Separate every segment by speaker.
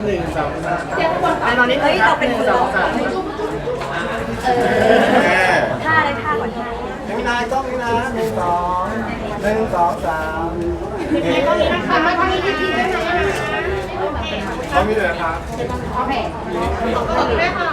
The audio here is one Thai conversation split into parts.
Speaker 1: 1 2 3
Speaker 2: ไอ้ตอนนี้เราเป็นคนร้อง
Speaker 1: ท่า
Speaker 2: เลยท่าก่อนท่า
Speaker 1: ไม่นายต้องนี่นะ1 2 3
Speaker 2: มาทางนี้ทีได้ไหม
Speaker 1: เขามีเลยครับ
Speaker 2: โอเคขอบคุณด้วยค่ะ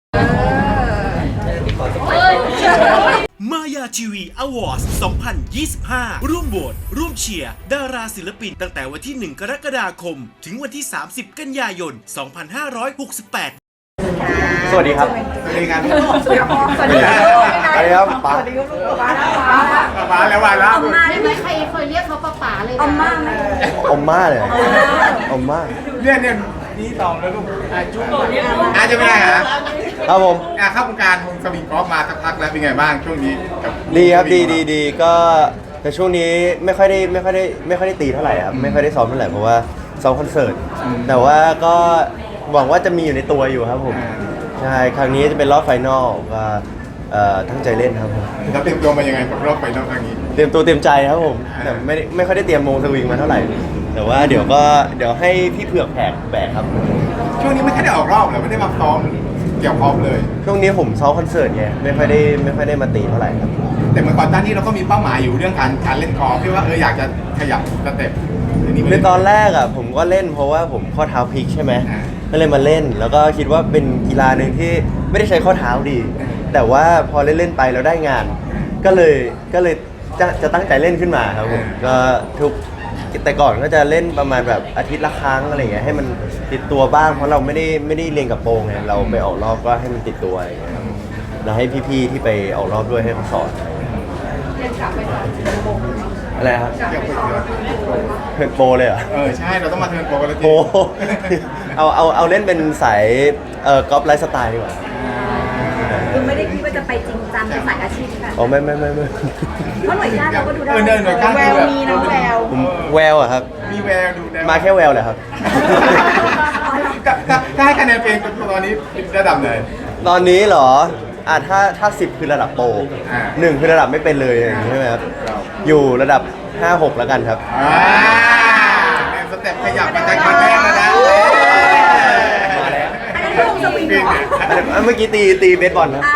Speaker 3: มายาทีวีอวอร์ด2025 ร่วมโหวตร่วมเชียร์ดาราศิลปินตั้งแต่วันที่ 1 กรกฎาคม ถึงวันที่ 30 กันยายน 2568
Speaker 1: สวัสดีครับสวัสดีครับสวัสดีครับสวัสดีครับป๋าสวัสดีครับป๋าแล้ววันแล้ว
Speaker 2: ไม่มีใครเคยเรียกเขาป๋าเลยนะอมม่าไหม
Speaker 1: อมม่าเลยอมม่าเนี่ยนี่ตองแล้วลูกจุ๊บจะไม่ได้ฮะครับผมเข้าวงการสวิงกอล์ฟมาสักพักแล้วเป็นไงบ้างช่วงนี้ดีครับดีก็แต่ช่วงนี้ไม่ค่อยได้ตีเท่าไหร่ครับไม่ค่อยได้ซ้อมเท่าไหร่เพราะว่าซ้อมคอนเสิร์ตแต่ว่าก็หวังว่าจะมีอยู่ในตัวอยู่ครับผมใช่ครั้งนี้จะเป็นรอบไฟนอลก็ตั้งใจเล่นครับผมแล้วเตรียมตัวมายังไงกับรอบไฟนอลครั้งนี้เตรียมตัวเตรียมใจครับผมแต่ไม่ค่อยได้เตรียมวงสวิงมาเท่าไหร่แต่ว่าเดี๋ยวให้พี่เผือกแบกครับช่วงนี้ไม่ค่อยได้ออกรอบเลยไม่ได้มาซ้อมเกี่ยวพร้อมเลยช่วงนี้ผมซ้อมคอนเสิร์ตไงไม่ค่อยได้มาตีเท่าไหร่ครับแต่เมื่อก่อนตอนนี้เราก็มีเป้าหมายอยู่เรื่องการเล่นกอล์ฟที่ว่าอยากจะขยับสเต็ปในตอนแรกอ่ะผมก็เล่นเพราะว่าผมข้อเท้าพลิกใช่ไหมก็เลยมาเล่นแล้วก็คิดว่าเป็นกีฬาหนึ่งที่ไม่ได้ใช้ข้อเท้าดีแต่ว่าพอเล่นไปแล้วได้งานก็เลยจะตั้งใจเล่นขึ้นมาครับผมก็แต่ก่อนก็จะเล่นประมาณแบบอาทิตย์ละครั้งอะไรเงี้ยให้มันติดตัวบ้างเพราะเราไม่ได้เรียนกับโปรงไงเราไปออกรอบก็ให้มันติดตัวอะไรเงี้ยแล้วให้พี่ๆที่ไปออกรอบด้วยให้เขาสอนอะไรครับเทิร์นโปรเลยเหรอใช่เราต้องมาเทิร์นโปรกันเลยโปรเอาเล่นเป็นสายกอล์ฟไลฟ์สไตล์ดีกว่า
Speaker 2: คือไม่ได้คิดว่าจะไปจริงจังเป็นสายอาชีพค่ะ
Speaker 1: อ๋อไม่
Speaker 2: เพราะหน่วยก้านเราก็ดูได้แววมีน้องแวว
Speaker 1: แววอะครับมีแววดูได้มาแค่แววเลยครับถ้าให้คะแนนเพลงตอนนี้ระดับไหนตอนนี้เหรอถ้า10คือระดับโปร1คือระดับไม่เป็นเลยอย่างนี้ใช่ไหมครับอยู่ระดับ5-6แล้วกันครับสเต็ปขยับมาจากการแรกแล้วนะเมื่อกี้ตีเบสบอลครับ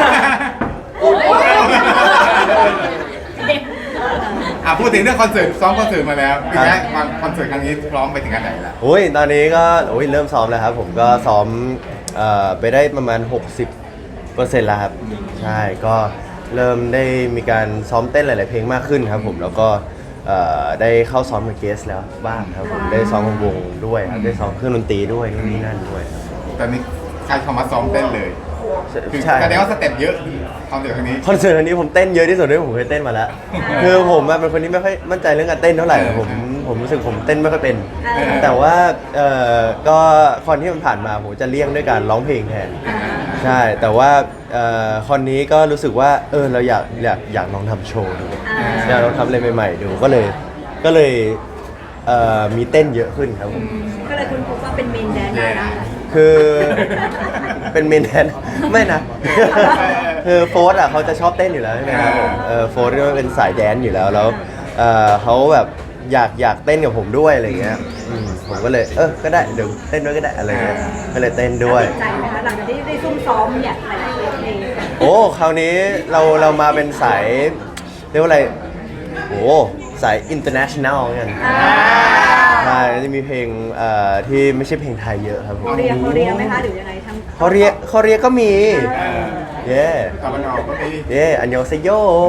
Speaker 1: พูดถึงเรื่องคอนเสิร์ตซ้อมคอนเสิร์ตมาแล้วเป็นไงคอนเสิร์ตครั้งนี้พร้อมไปถึงขั้นไหนแล้วตอนนี้ก็เริ่มซ้อมแล้วครับผมก็ซ้อมไปได้ประมาณ60%แล้วครับใช่ก็เริ่มได้มีการซ้อมเต้นหลายๆเพลงมากขึ้นครับผมแล้วก็ได้เข้าซ้อมกับเกสแล้วบ้างครับผมได้ซ้อมวงด้วยครับได้ซ้อมเครื่องดนตรีด้วยนู่นนี่นั่นด้วยตอนนี้ใครเข้ามาซ้อมเต้นเลยใช่แสดงว่าสเต็ปเยอะคอนเสิร์ตครั้งนี้ผมเต้นเยอะที่สุดด้วยผมเคยเต้นมาแล้วคือผมเป็นคนที่ไม่ค่อยมั่นใจเรื่องการเต้นเท่าไหร่ผมรู้สึกผมเต้นไม่ค่อยเป็นแต่ว่าก็คอนที่มันผ่านมาผมจะเลี่ยงด้วยการร้องเพลงแทนใช่แต่ว่าคอนนี้ก็รู้สึกว่าเราอยากลองทำโชว์ดูอยากลองทำอะไรใหม่ๆดูก็เลยมีเต้นเยอะขึ้นครับผม
Speaker 2: ก็เลยคุณพบว่าเป็นเมนแดนได้นะ
Speaker 1: คือเป็นเมนแดนไม่นะคือโฟร์เขาจะชอบเต้นอยู่แล้วใช่ไหมครับผมโฟร์ก็เป็นสายแดนอยู่แล้วเขาแบบอยากเต้นกับผมด้วยอะไรเงี้ยผมก็เลยก็ได้เดี๋ยวเต้นด้วยก็ได้อะไรเงี้ยก็เลยเต้นด้วย
Speaker 2: ใจไหมคะหลังจากที่ได้ซุ่มซ้อมเนี่ยหลายเพลง
Speaker 1: คราวนี้เรามาเป็นสายเรียกว่าอะไรสาย international กันใช่จะมีเพลงที่ไม่ใช่เพลงไทยเยอะครับผม
Speaker 2: เขาเรียกไหมคะหรือยังไงทั้ง
Speaker 1: เขาเรียกก็มีตะวันออกก็มีอันยองเซโย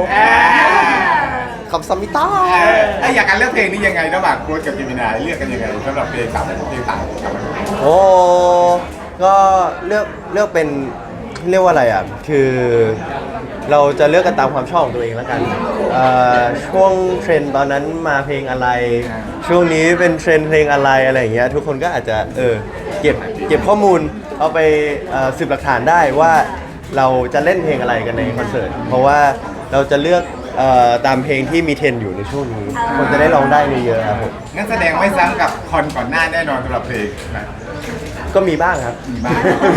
Speaker 1: คำซัมมิต้าอยากการเลือกเพลงนี้ยังไงระหว่างโค้ชกับจิมินายเลือกกันยังไงสำหรับเพลงต่างก็เลือกเป็นเรียกว่าอะไรคือเราจะเลือกกันตามความชอบของตัวเองแล้วกันช่วงเทรนด์ตอนนั้นมาเพลงอะไรช่วงนี้เป็นเทรนด์เพลงอะไรอย่างเงี้ยทุกคนก็อาจจะเก็บข้อมูลเอาไปสืบหลักฐานได้ว่าเราจะเล่นเพลงอะไรกันในคอนเสิร์ตเพราะว่าเราจะเลือกตามเพลงที่มีเทรนด์อยู่ในช่วงนี้คนจะได้ร้องได้เยอะๆครับผมงั้นแสดงไม่ซ้ำกับคอนก่อนหน้าแน่นอนสำหรับเพลงนะก็มีบ้างครับมีบ้าง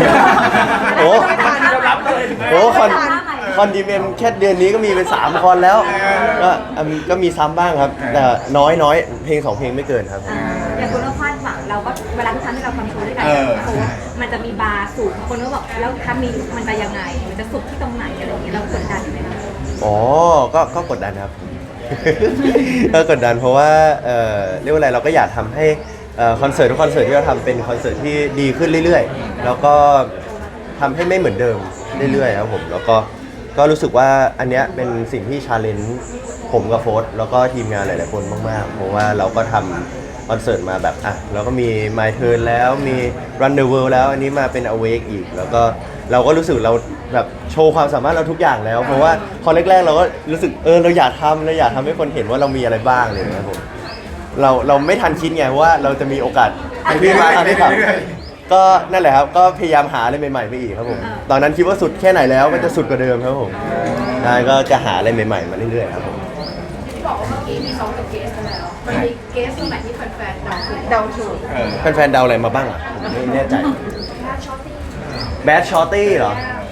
Speaker 1: คอนดีเมมแค่เดือนนี้ก็มีเป็น3 คอนแล้วก็มีซ้ำบ้างครับแต่น้อยเพลง2 เพลงไม่เกินครับ
Speaker 2: อย่างคุณเราคาดหวังเราก็เวลาทุกครั้งที่เราทำโชว์ด้วยกันมันจะมีบาร์สูงคนก็บอกแล้วถ้ามีมันจะยังไงมันจะสุดที่ตรงไหนอะไรอย่างเงี้ยเรากดดันไหมคะ
Speaker 4: อ๋อก็กดดันครับ ก็กดดันเพราะว่าเรียกว่าอะไรเราก็อยากทำให้คอนเสิร์ตทุกคอนเสิร์ตที่เราทำเป็นคอนเสิร์ตที่ดีขึ้นเรื่อยๆแล้วก็ทำให้ไม่เหมือนเดิมเรื่อยๆครับผมแล้วก็รู้สึกว่าอันเนี้ยเป็นสิ่งที่ชาเลนจ์ผมกับโฟร์แล้วก็ทีมงานหลายๆคนมากๆเพราะว่าเราก็ทำคอนเสิร์ตมาแบบเราก็มี My Turn แล้วมี Run the World แล้วอันนี้มาเป็น Awake อีกแล้วก็เราก็รู้สึกเราแบบโชว์ความสามารถเราทุกอย่างแล้วเพราะว่าพอแรกๆเราก็รู้สึกเราอยากทำให้คนเห็นว่าเรามีอะไรบ้างเลยนะครับผมเราไม่ทันคิดไงว่าเราจะมีโอกาสที่มาทำได้ครับก็นั่นแหละครับก็พยายามหาอะไรใหม่ๆไปอีกครับผมตอนนั้นคิดว่าสุดแค่ไหนแล้วก็จะสุดกว่าเดิมครับผมใช่ก็จะหาอะไรใหม่ๆมาเรื่อยๆครับผม
Speaker 2: ที่บอกว่าเมื่อกี้มีซ้อมกับเกสแล้วมันมีเกสตรงไหนที่แฟนๆเดาถูก
Speaker 4: แฟนๆเดาอะไรมาบ้างอ่ะผมไม่แน่ใจแบดชอตตี้เหรอ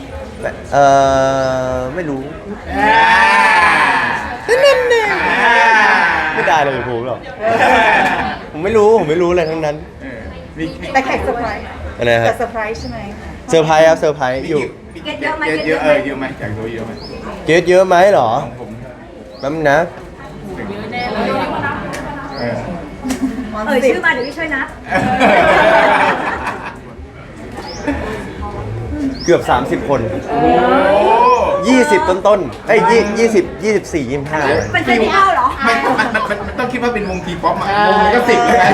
Speaker 4: ไม่รู้ไม่ได้เลยผมหรอกผมไม่รู้อะไรทั้งนั้น
Speaker 2: แต่แขกเซอร์ไพรส์
Speaker 4: อะไรครับ
Speaker 2: แต่เซอร์ไพรส์ใช่ไหม
Speaker 4: เซอร์ไพรส์ครับเซอร์ไพรส์อยู่
Speaker 2: เกสเยอะไหม
Speaker 1: เยอะเยอะไหมอยากรู้เยอะไหม
Speaker 4: เยอะไหมเหรอ
Speaker 1: ผม
Speaker 4: แป๊บนึงนะ
Speaker 2: ชื่อมาเดี๋ยวพี่ช่วยนับ
Speaker 4: เกือบ30 คน20ต้นๆ24 25
Speaker 2: เป็นเฟสติวัลเหรอ
Speaker 1: มันต้องคิดว่าเป็นวงทีป๊อปอ่ะวงนี้ก็10เลย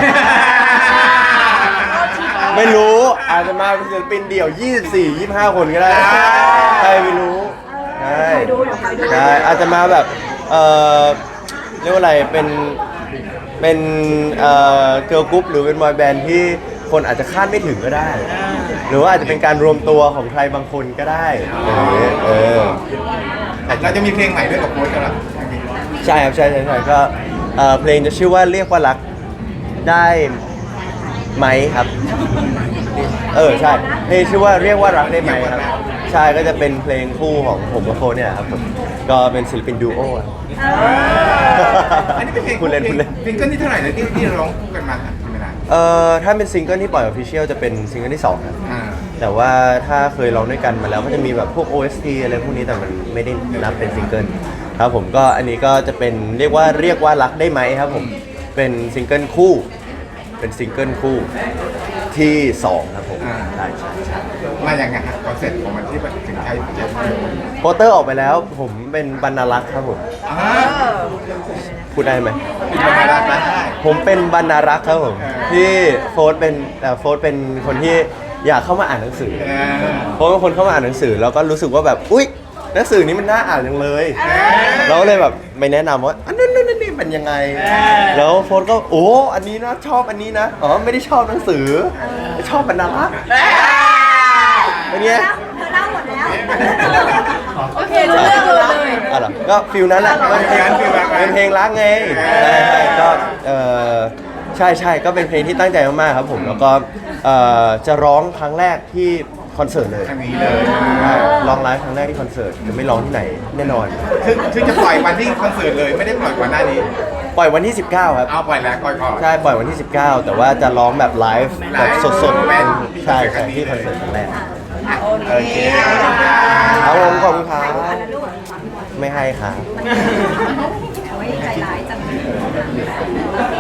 Speaker 4: ไม่รู้อาจจะมาเป็นศิลปินเดี่ยว24 25 คนก็ได้ใครไม่รู้ใช่อาจจะมาแบบเรียกว่าอะไรเป็นเกิร์ลกรุ๊ปหรือเป็นบอยแบนด์ที่คนอาจจะคาดไม่ถึงก็ได้หรือว่าอาจจะเป็นการรวมตัวของใครบางคนก็ได้
Speaker 1: เราจะมีเพลงใหม่ด้วยกับโค้ชกันหรอ
Speaker 4: ใช่ครับใช่ก็เพลงจะชื่อว่าเรียกว่ารักได้ไหมครับใช่เพลงชื่อว่าเรียกว่ารักได้ไหมครับใช่ก็จะเป็นเพลงคู่ของผมกับโฟนเนี่ยครับผมก็เป็นศิลปินดูโอ
Speaker 1: อันนี้เป็นเพลงซิงเกิลที่เท่าไหร่เลยที่ร้องคู่กันมาครับไม่นาน
Speaker 4: ถ้าเป็นซิงเกิลที่ปล่อยออฟฟิเชียลจะเป็นซิงเกิลที่2ครับแต่ว่าถ้าเคยร้องด้วยกันมาแล้วก็จะมีแบบพวก OST อะไรพวกนี้แต่มันไม่ได้นับเป็นซิงเกิลครับผมก็อันนี้ก็จะเป็นเรียกว่ารักได้ไหมครับผมเป็นซิงเกิลคู่ที่2ครับผมใช่
Speaker 1: มาอย่างไงครับคอนเซ็ปต์ของมันที่มันถึงใช้
Speaker 4: โปสเตอร์ออกไปแล้วผมเป็นบรรณารักษ์ครับผมพูดได้ไหมผมเป็นบรรณารักษ์ครับผมที่โฟร์เป็นคนที่อยากเข้ามาอ่านหนังสือโฟร์เป็นคนเข้ามาอ่านหนังสือแล้วก็รู้สึกว่าแบบอุ๊ยหนังสือนี้มันน่าอ่านจังเลยเราเลยแบบไม่แนะนำว่าอันนั้นนี่เป็นยังไงแล้วโฟร์ก็โอ้อันนี้นะชอบอันนี้นะไม่ได้ชอบหนังสือชอบบรรณารักษ์เป็นไง
Speaker 2: เธอเล่าหมดแล้วโอเค
Speaker 4: เรื่องเลยก็ฟิลนั้นแหละเป็นเพลงรักไงใช่ก็ใช่ก็เป็นเพลงที่ตั้งใจมากๆครับผมแล้วก็จะร้องครั้งแรกที่คอนเสิร์ตเลย
Speaker 1: ครั้งนี้เลย
Speaker 4: ร้องไลฟ์ครั้งแรกที่คอนเสิร์ตจะไม่ร้องที่ไหนแน่นอน
Speaker 1: คือจะปล่อยวันที่คอนเสิร์ตเลยไม่ได้ปล่อยก่อนหน้านี้
Speaker 4: ปล่อยวันที่19ครับ
Speaker 1: เอาปล่อยแล้วก่อน
Speaker 4: ใช่ปล่อยวันที่19แต่ว่าจะร้องแบบไลฟ์แบบสดๆใช่ที่คอนเสิร์ตครั้งแรก
Speaker 1: โอเค
Speaker 4: เอาผมขอบคุณครับไม่ให้ครับ
Speaker 2: ไว้ใจร้ายจัง